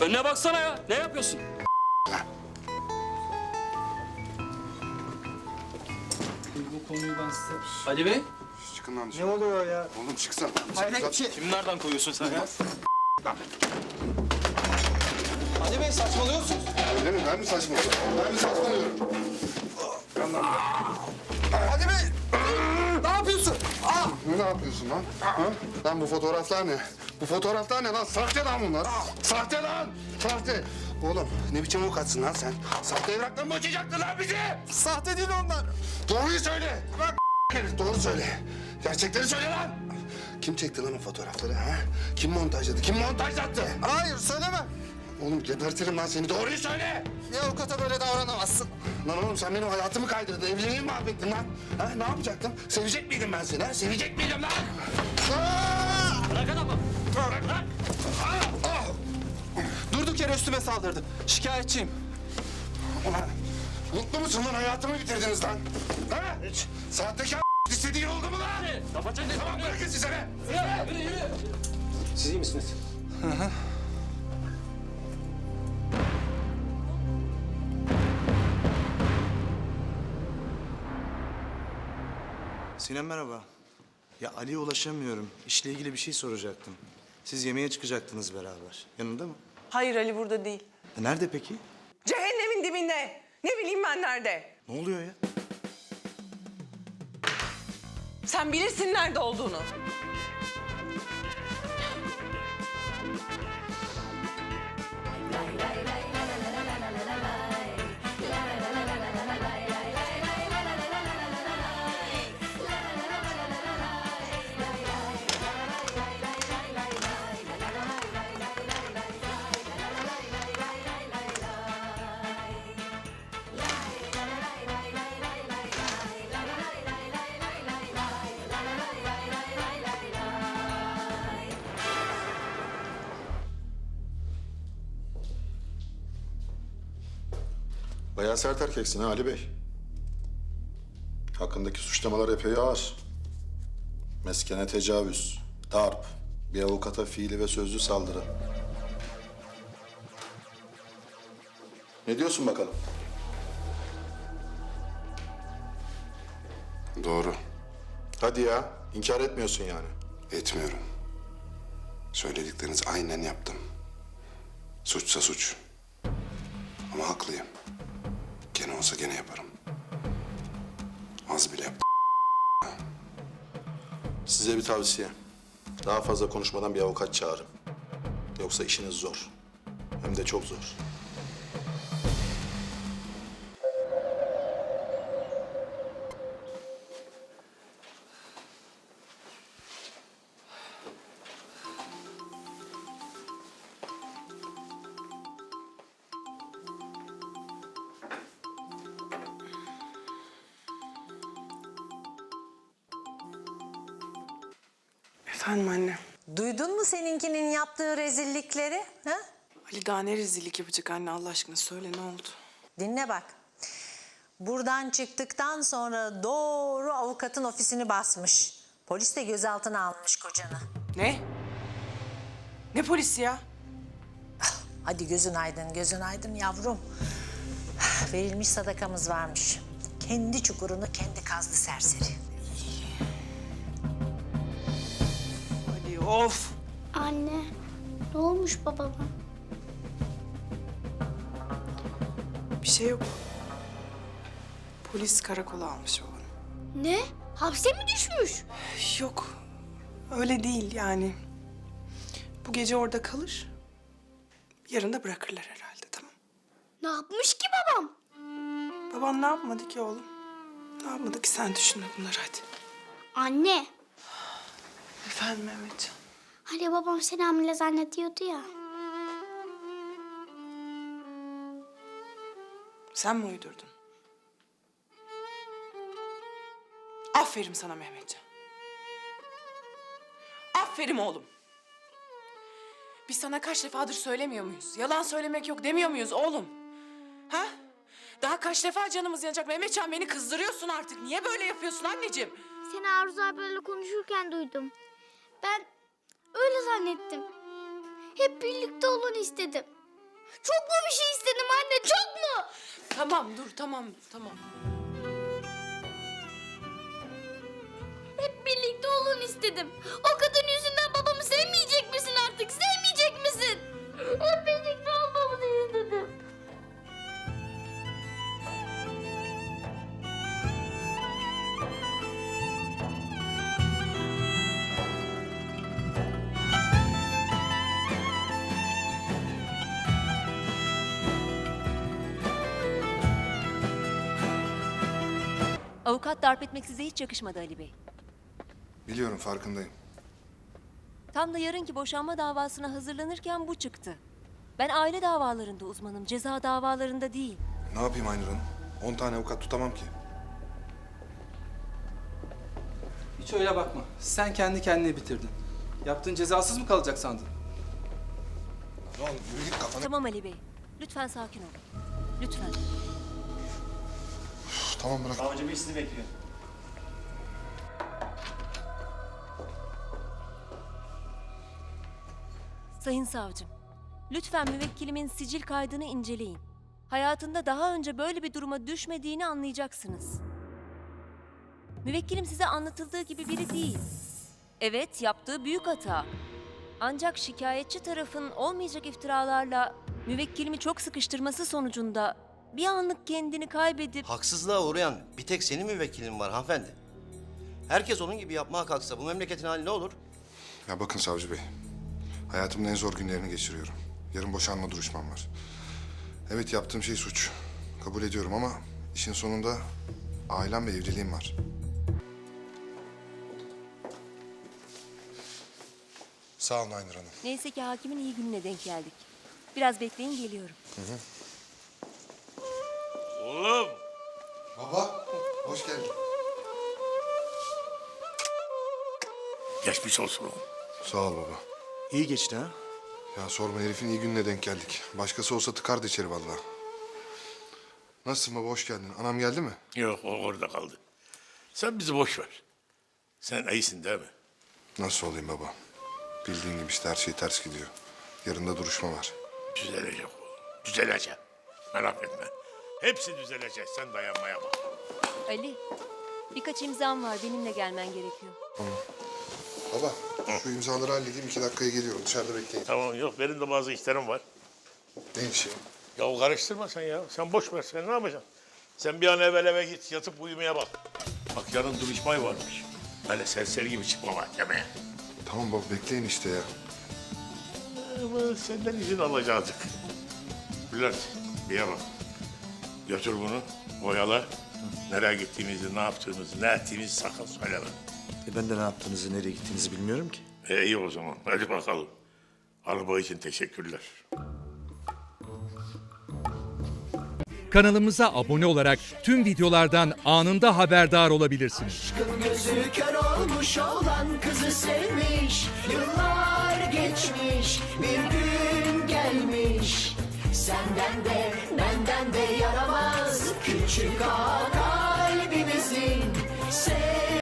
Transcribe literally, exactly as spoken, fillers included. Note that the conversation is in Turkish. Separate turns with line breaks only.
Önüne baksana ya. Ne yapıyorsun? Bu konuyu ben size... Ali Bey.
Çıkın lan dışarı.
Ne oluyor ya?
Oğlum çıksana.
Hayret bir şey.
Kimi nereden koyuyorsun sen ya?
Ali Bey saçmalıyorsunuz.
Öyle mi? Ben mi saçmalıyorum? Ben mi saçmalıyorum?
Ali Bey! Ne yapıyorsun? Aa!
Ne yapıyorsun lan? Ha? Lan bu fotoğraflar ne? Bu fotoğraflar ne lan? Sahte lan bunlar. Sahte lan! Sahte! Oğlum ne biçim avukatsın lan sen? Sahte evrakla mı açacaktın lan bizi?
Sahte değil onlar.
Doğruyu söyle! Bak herif doğru söyle. Gerçekleri söyle lan! Kim çekti lan o fotoğrafları ha? Kim montajladı? Kim montajlattı?
Hayır söylemem.
Oğlum gebertirim lan seni. Doğruyu söyle!
Bir avukata böyle davranamazsın.
Lan oğlum sen benim hayatımı kaydırdın. Evliliğimi mahvettin lan. Ha, ne yapacaktım? Sevecek miydim ben seni ha? Sevecek miydim lan? Aa!
Bırak adamı.
Bırak lan! Aa! Ah!
Durduk yere üstüme saldırdı. Şikayetçiyim.
Ulan mutlu musun lan? Hayatımı bitirdiniz lan. Ha? Hiç. Sahtekar istediğin oldu mu lan?
Kafa çek.
Tamam bırakın size be.
Yürü, yürü, yürü. Siz iyi misiniz?
Sinem merhaba. Ya Ali'ye ulaşamıyorum. İşle ilgili bir şey soracaktım. Siz yemeğe çıkacaktınız beraber. Yanında mı?
Hayır Ali burada değil.
E nerede peki?
Cehennemin dibinde. Ne bileyim ben nerede.
Ne oluyor ya?
Sen bilirsin nerede olduğunu.
Bayağı sert erkeksin ha Ali Bey. Hakkındaki suçlamalar epey ağır. Meskene tecavüz, darp, bir avukata fiili ve sözlü saldırı. Ne diyorsun bakalım?
Doğru.
Hadi ya, inkar etmiyorsun yani.
Etmiyorum. Söyledikleriniz aynen yaptım. Suçsa suç. Ama haklıyım. Gene olsa gene yaparım. Az bile yaptım.
Size bir tavsiye. Daha fazla konuşmadan bir avukat çağırın. Yoksa işiniz zor. Hem de çok zor.
Efendim anne.
Duydun mu seninkinin yaptığı rezillikleri? Ha?
Ali daha ne rezillik yapacak anne Allah aşkına söyle ne oldu?
Dinle bak. Buradan çıktıktan sonra doğru avukatın ofisini basmış. Polis de gözaltına almış kocanı.
Ne? Ne polisi ya?
Hadi gözün aydın, gözün aydın yavrum. Verilmiş sadakamız varmış. Kendi çukurunu kendi kazdı serseri.
Ali of.
Anne, ne olmuş babama?
Bir şey yok. Polis karakola almış babanı.
Ne? Hapse mi düşmüş?
Yok. Öyle değil yani. Bu gece orada kalır. Yarın da bırakırlar herhalde tamam.
Ne yapmış ki babam?
Baban ne yapmadı ki oğlum? Ne yapmadı ki sen düşünme bunları hadi.
Anne,
Efendim Mehmetcan.
hani babam seni hamile zannediyordu ya.
Sen mi uydurdun? Aferin sana Mehmetcan. Aferin oğlum. Biz sana kaç defadır söylemiyor muyuz? Yalan söylemek yok demiyor muyuz oğlum? Ha? Daha kaç defa canımız yanacak Mehmetcan, beni kızdırıyorsun artık. Niye böyle yapıyorsun anneciğim?
Seni Arzu abiyle konuşurken duydum. Ben öyle zannettim. Hep birlikte olun istedim. Çok mu bir şey istedim anne? Çok mu?
Tamam dur tamam tamam.
Hep birlikte olun istedim. O kadın yüzünden babamı sevmeyecek misin artık? Sevmeyecek misin? Hep birlikte olmamızı istedim.
Avukat darp etmek size hiç yakışmadı Ali Bey.
Biliyorum, farkındayım.
Tam da yarınki boşanma davasına hazırlanırken bu çıktı. Ben aile davalarında uzmanım, ceza davalarında değil.
Ne yapayım Aynur Hanım? On tane avukat tutamam ki.
Hiç öyle bakma. Sen kendi kendine bitirdin. Yaptığın cezasız mı kalacak sandın?
Lan yürü git kafana.
Tamam Ali Bey, lütfen sakin olun. Lütfen.
Üf, tamam bırak.
Savcı Bey sizi bekliyor.
Sayın savcım, lütfen müvekkilimin sicil kaydını inceleyin. Hayatında daha önce böyle bir duruma düşmediğini anlayacaksınız. Müvekkilim size anlatıldığı gibi biri değil. Evet, yaptığı büyük hata. Ancak şikayetçi tarafın olmayacak iftiralarla müvekkilimi çok sıkıştırması sonucunda bir anlık kendini kaybedip...
Haksızlığa uğrayan bir tek senin müvekkilin var hanımefendi. Herkes onun gibi yapmaya kalksa bu memleketin hali ne olur?
Ya bakın savcı bey. Hayatımın en zor günlerini geçiriyorum. Yarın boşanma duruşmam var. Evet, yaptığım şey suç. Kabul ediyorum ama işin sonunda ailem ve evliliğim var. Sağ olun Aynur Hanım.
Neyse ki hakimin iyi gününe denk geldik. Biraz bekleyin, geliyorum.
Oğlum.
Baba, hoş geldin.
Geçmiş olsun oğlum.
Sağ ol baba.
İyi geçti ha?
Ya sorma, herifin iyi gününe denk geldik. Başkası olsa tıkardı içeri vallahi. Nasılsın baba, hoş geldin. Anam geldi mi?
Yok, o orada kaldı. Sen bizi boş ver. Sen iyisin değil mi?
Nasıl olayım baba? Bildiğin gibi işte her şey ters gidiyor. Yarın da duruşma var.
Düzelecek oğlum. Düzelecek. Merak etme. Hepsi düzelecek. Sen dayanmaya bak.
Ali, birkaç imzam var. Benimle gelmen gerekiyor.
Baba, şu imzaları halledeyim. iki dakikaya geliyorum. Dışarıda bekleyin.
Tamam, yok. Benim de bazı işlerim var.
Ne işi?
Ya karıştırma sen ya. Sen boş ver. Sen ne yapacaksın? Sen bir an evvel eve git. Yatıp uyumaya bak. Bak yarın duruşma varmış. Böyle serseri gibi çıkma mahkemeye.
Tamam baba, bekleyin işte ya.
Ama senden izin alacaktık. Bülent, bir bak. Götür bunu, oyala. Nereye gittiğimizi, ne yaptığımızı, ne ettiğimizi sakın söyleme.
E ben de ne yaptığınızı, nereye gittiğinizi bilmiyorum ki.
E iyi o zaman, hadi bakalım. Araba için teşekkürler.
Kanalımıza abone olarak tüm videolardan anında haberdar olabilirsiniz.
Gözü kör olmuş olan kızı sevmiş. Yıllar geçmiş, bir gün gelmiş. Senden de benden de yaramaz küçük ağa kalbimizin.